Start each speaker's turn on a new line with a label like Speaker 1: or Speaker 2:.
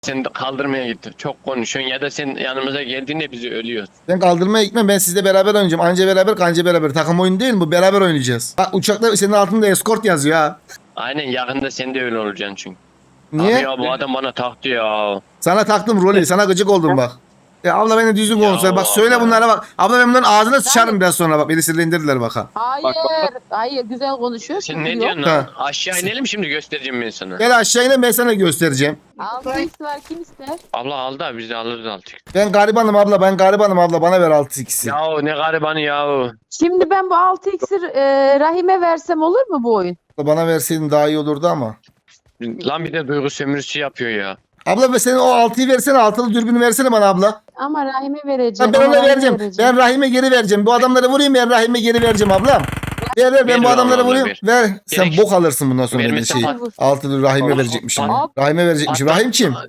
Speaker 1: Sen de kaldırmaya gittin. Çok konuşuyorsun ya da sen yanımıza geldiğinde bizi ölüyoruz.
Speaker 2: Ben kaldırmaya gitmem. Ben sizle beraber oynayacağım. Anca beraber kanca beraber. Takım oyunu değil mi bu? Beraber oynayacağız. Bak uçakta senin altında escort yazıyor ha.
Speaker 1: Aynen yakında sen de öyle olacaksın çünkü.
Speaker 2: Niye?
Speaker 1: Abi ya bu adam bana taktı ya.
Speaker 2: Sana taktım rolü. Sana gıcık oldum bak. Ya abla beni düzgün
Speaker 1: Ya
Speaker 2: konuş. Bak söyle
Speaker 1: abla.
Speaker 2: bunlara bak. Abla ben bunların ağzına sıçarım biraz sonra bak. Beni sinirlendirdiler bak ha.
Speaker 3: Hayır, hayır güzel konuşuyor.
Speaker 1: Sen
Speaker 3: küfür
Speaker 1: ne
Speaker 3: yok.
Speaker 1: diyorsun
Speaker 2: Ha.
Speaker 1: lan? Aşağı inelim şimdi göstereceğim ben sana.
Speaker 2: Gel aşağı inin ben sana göstereceğim.
Speaker 3: 6x var kim ister?
Speaker 1: Abla aldı abi biz de alırız artık.
Speaker 2: Ben garibanım abla. Ben garibanım abla. Bana ver 6x'i.
Speaker 1: Ya ne garibanı ya.
Speaker 3: Şimdi ben bu 6x'i Rahim'e versem olur mu bu oyun?
Speaker 2: Bana verseydin daha iyi olurdu ama.
Speaker 1: Lan bir de duygu sömürüsü yapıyor ya.
Speaker 2: Abla be senin o 6'yı versene. Altılı dürbünü versene bana abla.
Speaker 3: Ama Rahim'e vereceğim.
Speaker 2: Ben
Speaker 3: ama
Speaker 2: ona
Speaker 3: Rahim'e
Speaker 2: vereceğim. Ben Rahim'e geri vereceğim. Bu adamları vurayım ben Rahim'e geri vereceğim ablam. Ver ben
Speaker 1: Ver
Speaker 2: bu
Speaker 1: lan
Speaker 2: adamları
Speaker 1: abla,
Speaker 2: vurayım.
Speaker 1: ver.
Speaker 2: Ver. Sen
Speaker 1: Gerek-
Speaker 2: bok alırsın bundan sonra dediğin
Speaker 1: Vermesen
Speaker 2: şeyi.
Speaker 1: bak.
Speaker 2: Altılı Rahim'e verecekmişim.
Speaker 3: Hop.
Speaker 2: Rahim'e verecekmişim.
Speaker 1: Hatta-
Speaker 2: Rahim kim?